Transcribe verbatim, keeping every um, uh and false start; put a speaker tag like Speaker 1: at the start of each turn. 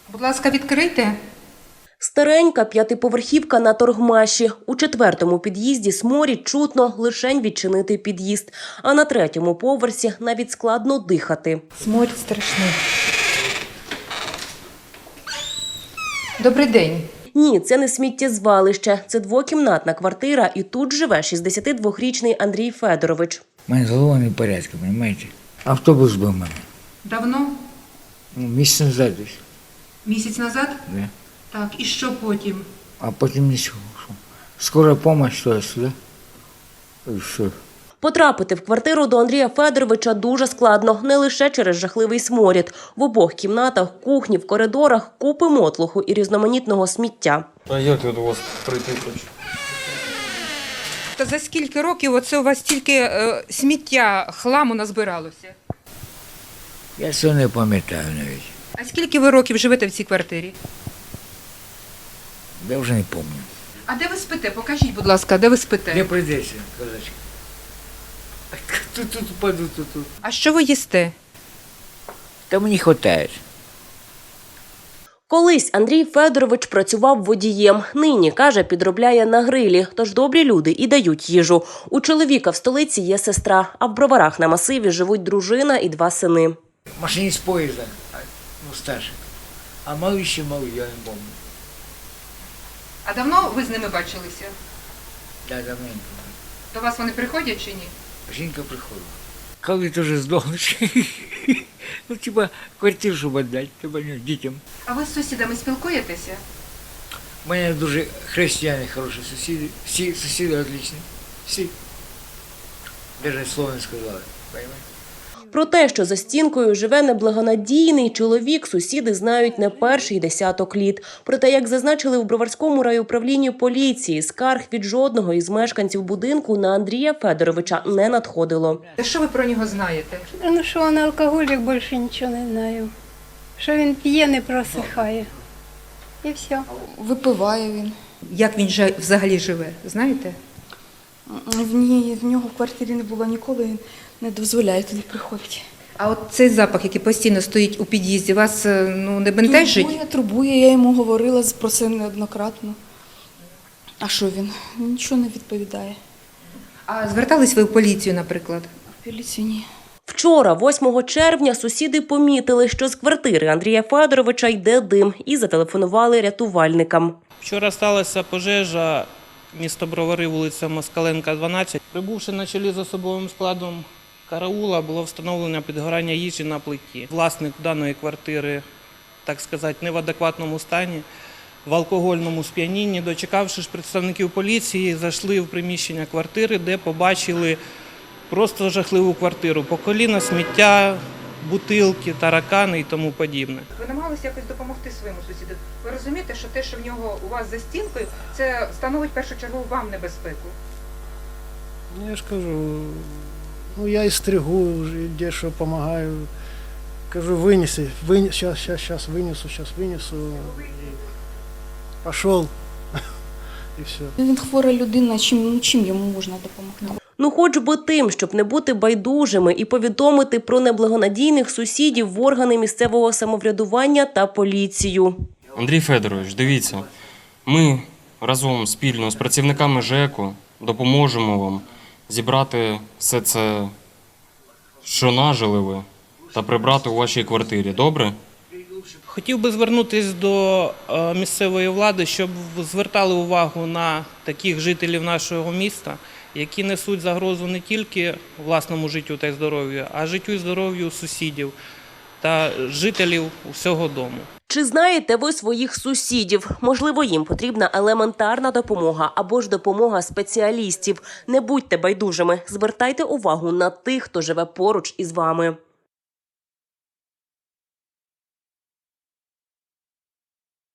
Speaker 1: Будь ласка, відкрийте.
Speaker 2: Старенька п'ятиповерхівка на Торгмаші. У четвертому під'їзді сморід чутно лишень відчинити під'їзд. А на третьому поверсі навіть складно дихати.
Speaker 1: Сморід страшний. Добрий день.
Speaker 2: Ні, це не сміттєзвалище. Це двокімнатна квартира і тут живе шістдесятидвохрічний Андрій Федорович.
Speaker 3: У мене з головою не в порядку, розумієте? Автобус був у мене.
Speaker 1: Давно?
Speaker 3: Ну, місяць назад десь.
Speaker 1: Місяць назад?
Speaker 3: Да.
Speaker 1: Так, і що потім?
Speaker 3: А потім нічого. Що? Скора допомога, що я сюди. І все.
Speaker 2: Потрапити в квартиру до Андрія Федоровича дуже складно, не лише через жахливий сморід. В обох кімнатах, кухні, в коридорах купи мотлуху і різноманітного сміття.
Speaker 4: А як я до вас прийти хочу?
Speaker 1: Та за скільки років оце у вас тільки е, сміття, хламу назбиралося?
Speaker 3: Я цього не пам'ятаю навіть.
Speaker 1: А скільки ви років живете в цій квартирі?
Speaker 3: Я вже не пам'ятаю.
Speaker 1: А де ви спите? Покажіть, будь ласка, де ви спите?
Speaker 3: Не прийдеться, козачка. Тут, тут, паду, тут, тут.
Speaker 1: А що ви їсте?
Speaker 3: Та мені вистачає.
Speaker 2: Колись Андрій Федорович працював водієм. Нині, каже, підробляє на грилі. Тож добрі люди і дають їжу. У чоловіка в столиці є сестра, а в Броварах на масиві живуть дружина і два сини.
Speaker 3: Машиніст поїзда, ну старший. А малий ще малий, я не пам'ятаю.
Speaker 1: А давно ви з ними бачилися?
Speaker 3: Да, давненько.
Speaker 1: До вас вони приходять чи ні?
Speaker 3: Жінка приходила. Коли ти вже здохнеш, ну типа квартиру, щоб віддати, типа дітям.
Speaker 1: А ви з сусідами спілкуєтеся?
Speaker 3: У мене дуже християни хороші сусіди, всі сусіди отличні, всі. Навіть слово не сказали, розумієте?
Speaker 2: Про те, що за стінкою живе неблагонадійний чоловік, сусіди знають не перший десяток літ. Проте, як зазначили в Броварському райуправлінні поліції, скарг від жодного із мешканців будинку на Андрія Федоровича не надходило.
Speaker 1: Що ви про нього знаєте?
Speaker 5: Ну, що він алкоголік, більше нічого не знаю. Що він п'є, не просихає. І все.
Speaker 6: Випиває він.
Speaker 1: Як він же взагалі живе, знаєте?
Speaker 6: В, ній, в нього в квартирі не було ніколи, він не дозволяє туди приходити.
Speaker 1: А от цей запах, який постійно стоїть у під'їзді, вас ну, не бентежить?
Speaker 6: Турбує, турбує, я йому говорила про це неоднократно. А що він? Нічого не відповідає.
Speaker 1: А звертались ви в поліцію, наприклад?
Speaker 6: В поліцію ні.
Speaker 2: Вчора, восьмого червня, сусіди помітили, що з квартири Андрія Федоровича йде дим і зателефонували рятувальникам.
Speaker 7: Вчора сталася пожежа, місто Бровари, вулиця Москаленка, дванадцять. Прибувши на чолі з особовим складом караула, було встановлено підгорання їжі на плиті. Власник даної квартири, так сказати, не в адекватному стані, в алкогольному сп'янінні. Дочекавши ж представників поліції, зайшли в приміщення квартири, де побачили просто жахливу квартиру. По коліна сміття, бутилки, таракани і тому подібне.
Speaker 1: Ви намагалися якось допомогти своєму сусіду. Ви розумієте, що те, що в нього у вас за стінкою, це становить першочергово вам небезпеку?
Speaker 8: Я ж кажу, ну я і стригу, і дещо допомагаю. Кажу, винеси, винес, сейчас, сейчас, сейчас винесу, сейчас винесу. І пішов, і все.
Speaker 6: Він хвора людина, чим, ну, чим йому можна допомогти?
Speaker 2: Ну хоч би тим, щоб не бути байдужими і повідомити про неблагонадійних сусідів в органи місцевого самоврядування та поліцію.
Speaker 4: Андрій Федорович, дивіться, ми разом спільно з працівниками ЖЕКу допоможемо вам зібрати все це, що нажили ви, та прибрати у вашій квартирі. Добре?
Speaker 7: Хотів би звернутися до місцевої влади, щоб звертали увагу на таких жителів нашого міста, які несуть загрозу не тільки власному життю та здоров'ю, а життю і здоров'ю сусідів та жителів усього дому.
Speaker 2: Чи знаєте ви своїх сусідів? Можливо, їм потрібна елементарна допомога або ж допомога спеціалістів. Не будьте байдужими, звертайте увагу на тих, хто живе поруч із вами.